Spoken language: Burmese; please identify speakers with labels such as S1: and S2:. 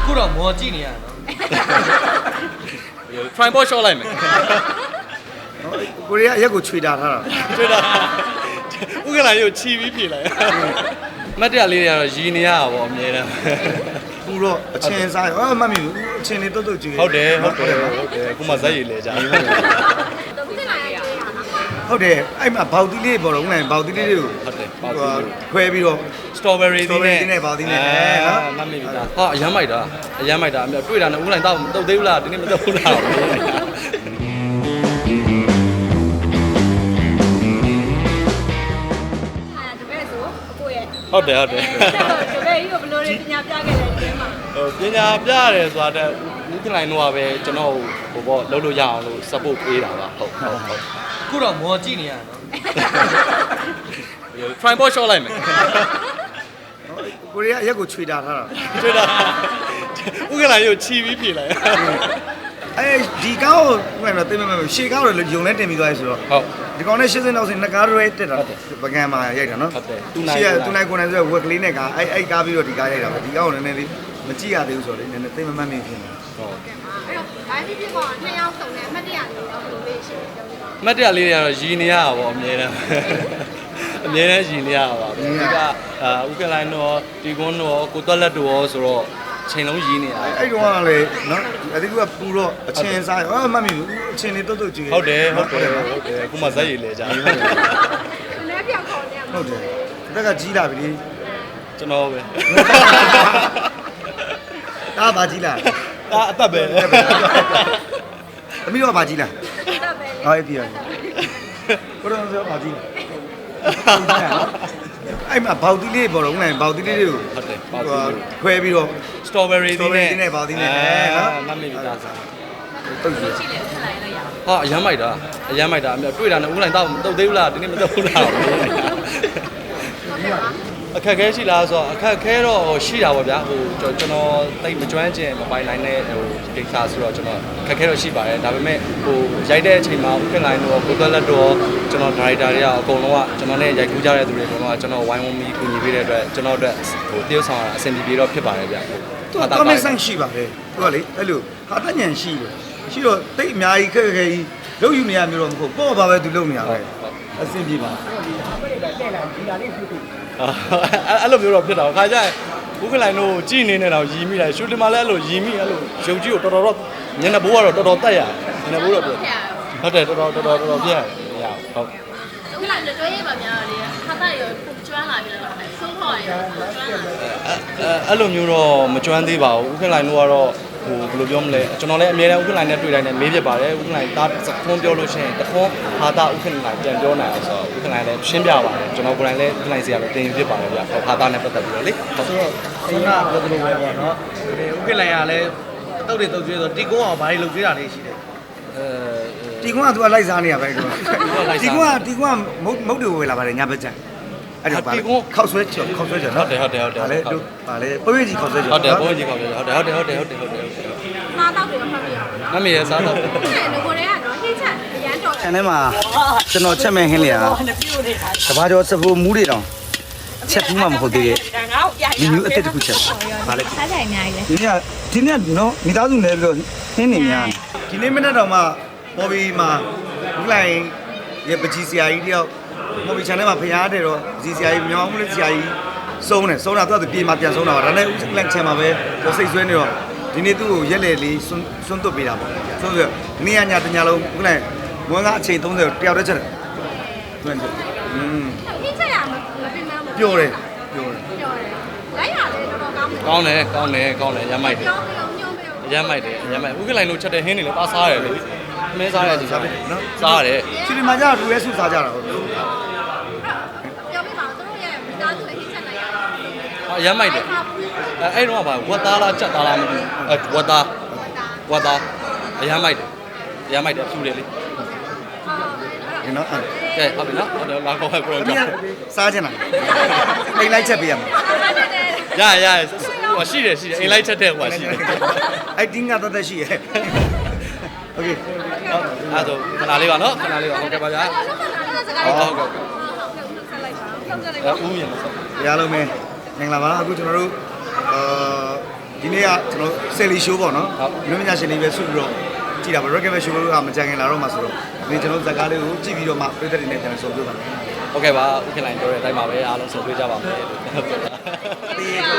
S1: ခုတော့မော်ကြည့်နေရတော့
S2: tripod shot လိုက်မယ်
S3: ကိုရီးယားရက်ကိုခြွေတာထားတာ
S2: တွေ့တာဥက္ကဋ္ဌကြီးကိုချီပြီးဖြေလိုက်မတ်တရားလေးတွေကတော့ရည်နေရတာပေါ့အမြဲတမ်း
S3: ပူတော့အချင်းစားရောမမီဘူးအချင်းလေးတုတ်တုတ်ကြည့်
S2: ဟုတ်တယ်အခုမှဇက်ရည်လဲကြ
S3: ဟုတ်တယ်အဲ့မှာဘောက်တီးလေးပေါ်တော့ဦးနိုင်ဘောက်တီးလေးတွေကို
S2: ဟုတ်တယ်
S3: ခွဲပြီးတော့
S2: strawberry သီးနဲ့
S3: နဲ့ဘောက်တီးနဲ့နော်
S2: မမေ့ပြီလားဟာအရမ်းမိုက်တာအရမ်းမိုက်တာအမြဲတွေ့တာနဲ့ဦးလိုင်းတော့မတုတ်သေးဘူးလားဒီနေ့မတုတ်ဘူးလား ဟုတ်တယ်
S4: တပည့်ကြီးကိုဘယ်လိုလဲပညာပြခဲ့လဲဒီမှာ
S2: ပညာပြရတယ်ဆိုတာတဲ့ဦးကလိုင်းတော့ပဲကျွန်တော်ဟိုပေါ့လုပ်လို့ရအောင်လို့ support ပေးတာပါဟုတ်
S1: ခုတော့မော်ကြည့်နေရတော့
S2: tripod shot လိုက်မယ်
S3: ကိုရီးယားရက်ကိုခြွေတာထားတာ
S2: တွေ့တာဥက္ကဋ္ဌကြီးကိုချီပြီးဖြေလိုက်
S3: အဲဒီကောင်းကိုဦးနိုင်တော့သိမမဲ့ရှေကောင်းတော့ယုံလဲတင်ပြီးသွားပြီဆိုတော့
S2: ဟုတ်
S3: ဒီကောင်နဲ့80နောက်စင်နှစ်ကားရဲတက်တာပကံမှာရိုက်တာနော်
S2: ဟုတ်တယ်
S3: ရှေ့ကသူနိုင်ကိုနိုင်ဆိုဝက်ကလေးနဲ့ကအဲ့ကားပြီးတော့ဒီကားရိုက်တာပဲဒီကောင်ကိုနည်းနည်းလေးမကြည့်ရသေးဘူးဆိုတော့လေနည်းနည်းသိမမှတ်မိဖြစ်နေ
S2: ဟုတ်
S4: အဲ့တော့ဘာဖြစ်ဖြစ်ပေါ့နှစ်ယောက်စုံနဲ့အမှတ်တရလေးတော့ဘယ်လိုလေးရှိလဲပြောပြပါ
S2: မတ်တရားလေးတွေကတော့ရည်နေရတာပေါ့အမြဲတမ်းအမြဲတမ်းရည်နေရတာပါဒီကဥက္ကလိုင်းတော့ဒီကွန်းတော့ကိုတွက်လက်တော့ဆိုတော့ချိန်လုံးရည်နေရ
S3: အဲ့တုန်းကလည်းနော်အတိကပူတော့အချင်းစားရောမမီဘူးအချင်းလေးတုတ်တုတ်ကြည့်
S2: ဟုတ်တယ်အခုမှဇက်ရည်လဲကြ
S4: နည်းပြောင်းခေါ်နေရမှာ
S3: ဟုတ်တယ်တက်ကကြီးလာပြီလေ
S2: ကျွန်တော်ပဲ
S3: ဒါဘာကြီးလာ
S2: ဒါအသက်ပဲ
S3: အမိတော့ဘာကြီးလာ
S4: တက်ပဲ
S3: ဟောအဲ့ဒီရကိုတော့ဆိုဘာကြီးအဲ့မှာဘောက်တီးလေးပေါ်တော့ဦးနိုင်ဘောက်တီးလေးတွေကို
S2: ဟုတ်တယ်
S3: ခွဲပြီးတော့
S2: strawberry သီးနဲ့
S3: နဲ့ဘောက်တီးနဲ့နော်
S2: မမေ့ပြီလား
S3: တုတ်ကြည့်
S4: ရှိတယ်ထပ်လိုက်လိုက်ရအောင်
S2: ဟာအရမ်းမိုက်တာအရမ်းမိုက်တာအမြဲတွေ့တာနဲ့ဦးလိုင်းတော့မတုတ်သေးဘူးလားဒီနေ့မတုတ်ဘူးလားအခက်ခဲရှိလားဆိုတော့အခက်ခဲတော့ရှိတာပေါ့ဗျာဟိုကျွန်တော်တိတ်မကျွမ်းကျင်မပိုင်နိုင်တဲ့ဟိုကိစ္စဆိုတော့ကျွန်တော်အခက်ခဲတော့ရှိပါတယ်ဒါပေမဲ့ဟိုရိုက်တဲ့အချိန်မှာဥက္ကလိုင်းတော့ကိုသက်လက်တော့ကျွန်တော်ဒါရိုက်တာတွေကအကုန်လုံးကကျွန်တော်နဲ့ရိုက်ကူးကြတဲ့သူတွေအကုန်လုံးကကျွန်တော်ဝိုင်းဝန်းပြီးကူညီပေးတဲ့အတွက်ကျွန်တော်အတွက်ဟိုတရုပ်ဆောင်အဆင်ပြေတော့ဖြစ်ပါတယ်ဗျာ
S3: သူကကောင်းမဲ့ဆန့်ရှိပါပဲသူကလေအဲ့လိုဟာတညံရှိတယ်ရှိတော့တိတ်အများကြီးခက်ခဲကြီးလုံးယူနေရမျိုးတော့မဟုတ်ပေါ့ပါပဲသူလုံးနေရပဲအဆင်ပြေပါ
S2: အဲ့လိုမျိုးတော့ဖြစ်တာခါကျရင်ဥက္ကလိုင်းတို့ကြည်နေနေတော့ရီမိတယ်ရှူတင်မှာလည်းအဲ့လိုရီမိအဲ့လိုရုပ်ကြီးကိုတော်တော်ညနေဘိုးကတော့တော်တော်တက်ရတယ်ညနေဘိုးတော့ပြဟုတ်တယ်တော်တော်ပြရတယ်မရဘူးဟုတ်
S4: သူကလည်းတွဲရပါများလေခါသားရောကျွမ်းလာပြီလားဆုံးခေါ်ရကျွမ်းလာ
S2: အဲ့လိုမျိုးတော့မကျွမ်းသေးပါဘူးဥက္ကလိုင်းတို့ကတော့ဟိုဘယ်လိုပြောမလဲကျွန်တော်လည်းအများနဲ့ဥက္ကလိုင်းနဲ့တွေ့တိုင်းနဲ့မေးဖြစ်ပါတယ်ဥက္ကလိုင်းတာခွန်းပြောလို့ရှိရင်တခွန်းဟာတာဥက္ကလိုင်းပြန်ပြောနိုင်အောင်ဆိုတော့ဥက္ကလိုင်းလည်းရှင်းပြပါတယ်ကျွန်တော်ကိုယ်တိုင်လည်းဥက္ကလိုင်းစီကလည်းတင်ဖြစ်ပါတယ်ဗျဟာတာနဲ့ပတ်သက်ပြီးတော့လေဟုတ်
S1: ဆိုတော့အိမ်ကပြောသလိုပဲပေါ့နော်ဥက္ကလိုင်ကလည်းတုတ်တွေတုတ်ကျွေးဆိုတီကုန်းအောင်ဘာတွေလုပ်ကျွေးတာလေးရှိတယ်
S3: တီကွန်းကသူကလိုက်စားနေရပဲတော့တီကွန်းကမုတ်တွေဝယ်လာပါတယ်ညဘက်ကျန်အဲ့တော့ဗာလေခောက်ဆွဲချော်နော်ဗာလေတို့ဗာလေပွေးကြီးခောက်ဆွဲချော်
S2: ဟုတ်တယ်ဘုန်းကြီးခေါ်ပြဟုတ်တယ်
S4: စားတော့တယ်မှတ်ပြရအောင်
S2: မမေရစားတော့
S4: အဲ့လိုကိုလည်းကတော့ဟင်းချက်အရန်တော်
S3: ခြံထဲမှာကျွန်တော်ချက်မဲ့ဟင်းလေးဟာတဘာကျော်စပူမူးတွေတောင်ချက်ဘူးမှမဟုတ်သေးတဲ့ဒီမျိုးအစ်စ်တစ်ခုချက်ဗာလေ
S4: စားကြအများကြီးပဲ
S3: ဒီနေ့နော်မိသားစုလဲပြီးတော့ဟင်းနေများဒီနေ့မနေ့တော့မှပေါ်ဘီမှာဘူးလိုက်ရပကြီးဆရာကြီးတယောက်ပေါ်ဘီ channel မှာဖျားတယ်တော့ပကြီးဆရာကြီးမြောင်းမှုလေးဆရာကြီးစုံးတာသူကပြေမှာပြန်စုံးတာပါဒါနဲ့ဦးလန့်ချန်မှာပဲသူစိတ်ဆွဲနေတော့ဒီနေ့သူ့ကိုရက်လေလေးစွန့်သွတ်ပေးတာပေါ့ဆိုတော့ဒီနေ့ညတညလုံးဘူးလိုက်မွန်းကအချိန်30တယောက်တည်းချက်တယ်တွန်းချက်
S4: ဟင်းချက်ရမပြင်မမ
S3: ပြောတယ်
S4: လိုက်ရတယ်တော်တော်ကောင်းတယ်
S2: ကောင်းတယ်ရမ်းမိုက်တယ်
S4: ပြောပြောညုံပြော
S2: ရမ်းမိုက်တယ်ဥက္ကလိုင်းတို့ချက်တဲ့ဟင်းတွေလည်းပါစားရတယ်လေမင်းစားရစီစားတယ်နော်စားရတယ်
S3: စီဒီမှာကျတော့လူရဲစုစားကြတာဟုတ်
S4: ပြောပြပါဦးတို့ရဲ့မိသားစုနဲ့ဟင်းချက်လိုက်ရအောင်
S2: ရမ်းမိုက်တယ်အဲ့တော့ကဝတ်သားလားကြက်သားလားမသိဘူးဝတ်သားရမ်းမိုက်တယ်ဖြူတယ်လေ
S3: ဒီနော်
S2: ကဲဟုတ်ပြီနော်ဟုတ်တယ်လာခေါ်ခဲ့ကိုရောကြောက်
S3: စားချင်တာအိမ်လိုက်ချက်ပေးရမှာ
S2: ရဟိုရှိတယ်အိမ်လိုက်ချက်တဲ့ဟိုရှိတယ်
S3: အဲ့တင်းကတသက်ရှိရဲ့โอเค
S2: အဲ့ဒါခဏလေးပါနော်ခဏလေးပါဟုတ်ကဲ့ပါဗျာဟုတ်ကဲ့ဦးမြင်လို့
S3: ရလုံးမင်းမင်္ဂလာပါအခုကျွန်တော်တို့ဒီဒီနေ့ကကျွန်တော်ဆယ်လီရှိုးပေါ့နော်လူမညာရှင်တွေပဲဆုပြီးတော့ကြည့်တာပါ Rocket Show ကမကြခင်လာတော့မှဆိုတော့ဒီကျွန်တော်ဇာတ်ကားလေးကိုကြည့်ပြီးတော့မှပြည်သက်တွေနဲ့ပြန်ဆုံပြပါမယ်
S2: ဟုတ်ကဲ့ပါဥက္ကဋ္ဌလိုင်းပြောတဲ့အတိုင်းပါပဲအားလုံးဆုံတွေ့ကြပါမယ်လို့ပြောတာ
S3: ဒီ